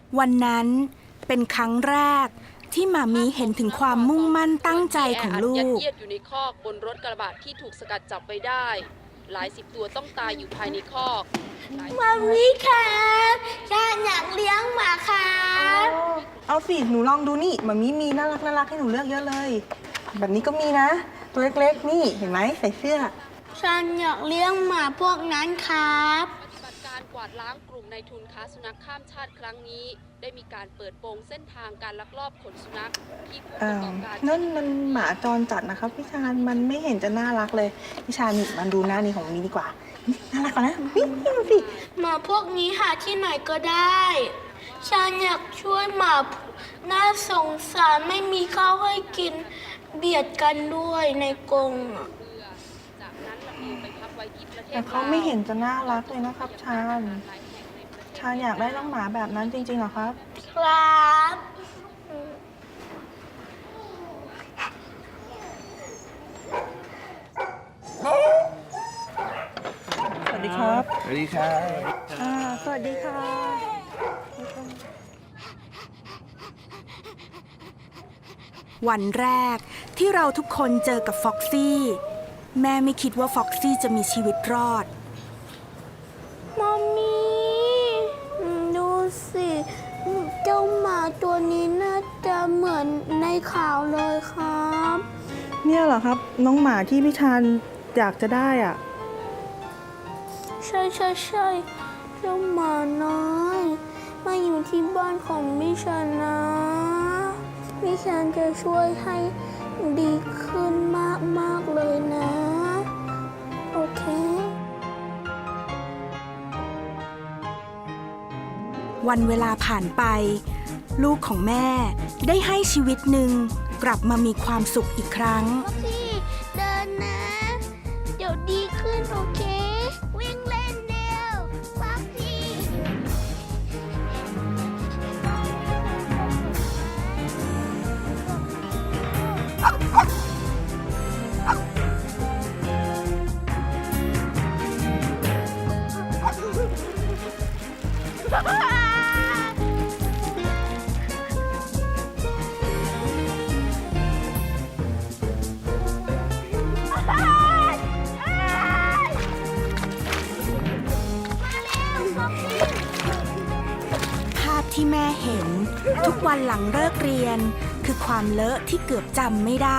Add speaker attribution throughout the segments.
Speaker 1: วันนั้นเป็นครั้งแรกที่หม่ามีเห็นถึงความมุ่งมั่นตั้งใจของลูก
Speaker 2: ยัดเยียดอยู่ในคอกบนรถกระบะที่ถูกสกัดจับไว้ได้ หลายสิบตัวต้องตายอยู่ภายในคอก
Speaker 3: มามีครับฉันอยากเลี้ยงหมาครับ
Speaker 4: เอาสิหนูลองดูนี่มามีน่ารักให้หนูเลือกเยอะเลย แบบนี้ก็มีนะ ตัวเล็กๆนี่เห็นไหมใส่เสื้อ
Speaker 3: ฉันอยากเลี้ยงหมาพวกนั้นครับ
Speaker 2: ปฏิบัติการกวาดล้างกลุ่มนายทุนค้าสุนัขข้ามชาติครั้งนี้ ได้มีการเปิดโปงเส้นทางการลักลอบขนสุนัขที่ผู้ประกอบการ
Speaker 4: นั่นมันหมาจรจัดนะครับพี่ชาญมันไม่เห็นจะน่ารักเลยพี่ชาญนี่มันดูหน้านี้ของมีดีกว่านี่น่ารักกว่านะนี่ดูสิ
Speaker 3: หมาพวกนี้หาที่ไหนก็ได้ ฉันอยากช่วยหมาน่าสงสารไม่มีข้าวให้กินเบียดกันด้วยในกรงอะ
Speaker 2: จากนั้นลำเลียงไปพักไว้ที่ประเทศ
Speaker 4: แต่เขาไม่เห็นจะน่ารักเลยนะครับชาญอยากได้น้องหมาแบบนั้นจริงๆเหรอครับ
Speaker 3: ครับ
Speaker 4: สวัสดีครับ
Speaker 5: สวัสดีครับ
Speaker 4: สวัสดีค่ะ
Speaker 1: วันแรกที่เราทุกคนเจอกับฟ็อกซี่แม่ไม่คิดว่าฟ็อกซี่จะมีชีวิตรอด
Speaker 3: มัมมี่ดูสิเจ้าหมาตัวนี้น่าจะเหมือนในข่าวเลยครับ
Speaker 4: เนี่ยเหรอครับน้องหมาที่พี่ชาญอยากจะได้อ่ะ
Speaker 3: ใช่เจ้าหมาน้อยมาอยู่ที่บ้านของมิชันนะมิชันจะช่วยให้ดีขึ้นมากเลยนะ โอเค
Speaker 1: วันเวลาผ่านไป ลูกของแม่ได้ให้ชีวิตหนึ่งกลับมามีความสุขอีกครั้ง
Speaker 3: พี่เดินนะ เดี๋ยวดีขึ้นโอเค วิ่งเล่นเร็วฟักพี่
Speaker 1: ภาพที่แม่เห็นทุกวันหลังเลิกเรียน คือความเลอะที่เกือบจำไม่ได้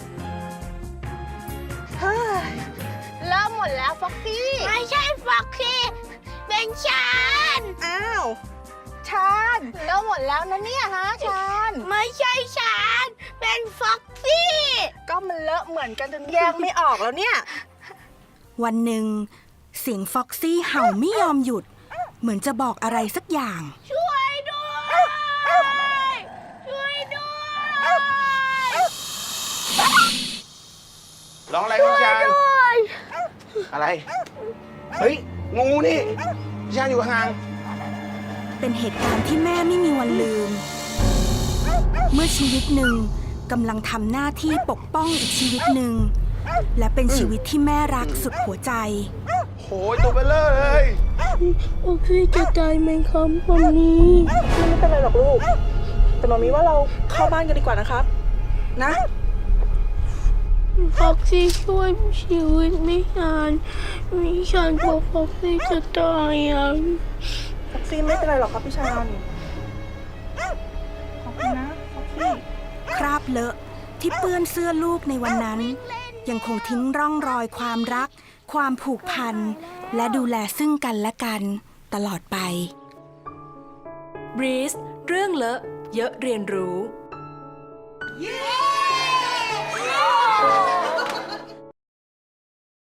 Speaker 3: เริ่มหมดแล้วฟ็อกซี่ ไม่ใช่ฟ็อกซี่ เป็นฉัน
Speaker 4: อ้าวชาญเริ่มหมดแล้วนะเนี่ยฮะชาญ
Speaker 3: ไม่ใช่ฉัน เป็นฟ็อกซี่
Speaker 4: ก็มันเลอะเหมือนกันจนแยกไม่ออกแล้วเนี่ย
Speaker 1: วันหนึ่งเสียงฟ็อกซี่เห่าไม่ยอมหยุด เหมือนจะบอกอะไรสักอย่าง
Speaker 3: ช่วยด้วย ช่วยด้วย
Speaker 5: ร้องอะไรพี่ชานอะไร เฮ้ย งูนี่พี่ชานอยู่ห่าง
Speaker 1: เป็นเหตุการณ์ที่แม่ไม่มีวันลืม เมื่อชีวิตหนึ่งกำลังทำหน้าที่ปกป้องอีกชีวิตหนึ่ง และเป็นชีวิตที่แม่รักสุดหัวใจ
Speaker 5: โหยตัวเบลเลอร์เลย
Speaker 3: โอเคจะตายไหมครับวันนี้
Speaker 4: ไม่เป็นไรหรอกลูก แต่มามีว่าเราเข้าบ้านกันดีกว่านะครับ นะ
Speaker 3: ฟ็อกซี่ช่วยชีวิตไม่นานมิฉันกลัวฟ็อกซี่จะตายอ่ะ
Speaker 4: ฟ็อกซี่ไม่เป็นไรหรอกครับพี่ชาญขอบคุณนะฟ็อกซี่
Speaker 1: คราบเลอะที่เปื้อนเสื้อลูกในวันนั้น ยังคงทิ้งร่องรอยความรัก ความผูกพัน และดูแลซึ่งกันและกันตลอดไป
Speaker 6: บรีสเรื่องเลอะเยอะเรียนรู้
Speaker 4: เย้